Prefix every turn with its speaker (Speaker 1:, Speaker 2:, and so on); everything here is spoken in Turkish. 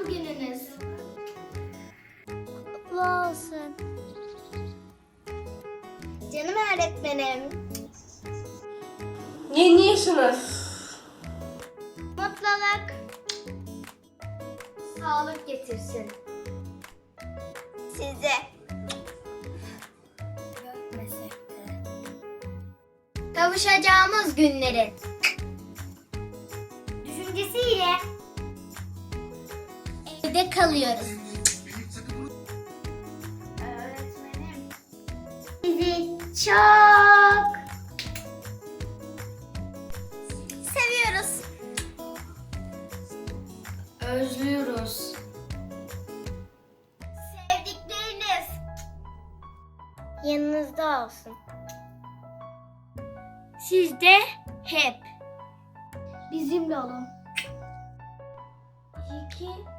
Speaker 1: doğum gününüz.
Speaker 2: Kutlu olsun.
Speaker 1: Canım öğretmenim.
Speaker 3: Yeni yaşınız.
Speaker 1: Mutluluk. Sağlık getirsin. Size. Görmesek de. Kavuşacağımız günlerin düşüncesiyle evde kalıyoruz. Öğretmenim. Sizi çok seviyoruz. Özlüyoruz. Sevdikleriniz yanınızda olsun. Siz de hep bizimle olun. İyi ki